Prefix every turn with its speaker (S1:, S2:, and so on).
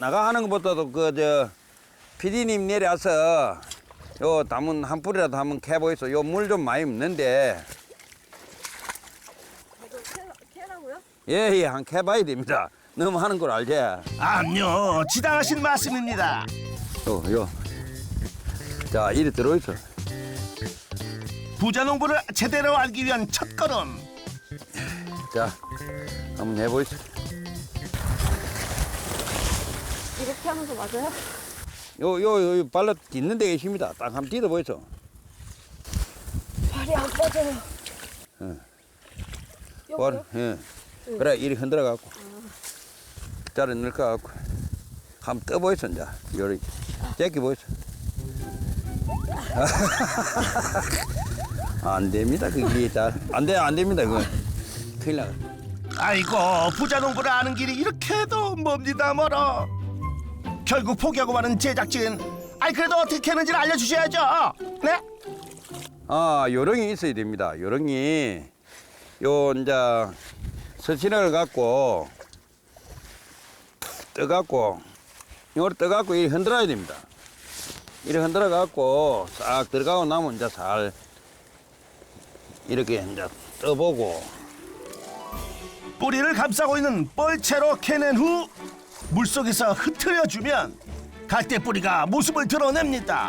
S1: 나가 하는 것보다도 PD님 내려와서 요 담은 한 뿌리라도 한번 캐보이소. 요 물 좀 많이 묻는데.
S2: 캐라고요?
S1: 예, 한 캐봐야 됩니다. 너무 하는 걸 알지?
S3: 암요, 지당하신 말씀입니다.
S1: 요. 자, 이리 들어있어.
S3: 부자 농부를 제대로 알기 위한 첫걸음.
S1: 자, 한번 해보이소.
S2: 이렇게 하는 거 맞아요?
S1: 요 발로 딛는 데 계십니다. 딱 한번 딛어보이소.
S2: 발이 안 빠져요. 여기요?
S1: 예. 그래, 이리 흔들어갖고. 자를 넣을까갖고. 한번 떠보이소, 이제. 요리. 제끼보이소. 안 됩니다, 그게 잘. 안 됩니다, 그거. 큰일 나가.
S3: 아이고, 부자 농부를 아는 길이 이렇게도 멉니다 멀어. 결국 포기하고 마는 제작진. 아이 그래도 어떻게 하는지를 알려주셔야죠. 네?
S1: 아, 요령이 있어야 됩니다. 요령이. 이제, 서신을 갖고, 떠갖고, 요걸 떠갖고 이렇게 흔들어야 됩니다. 이렇게 흔들어갖고, 싹 들어가고 나면 이제 잘, 이렇게 이제 떠보고,
S3: 뿌리를 감싸고 있는 뻘채로 캐낸 후 물속에서 흩트려주면 갈대 뿌리가 모습을 드러냅니다.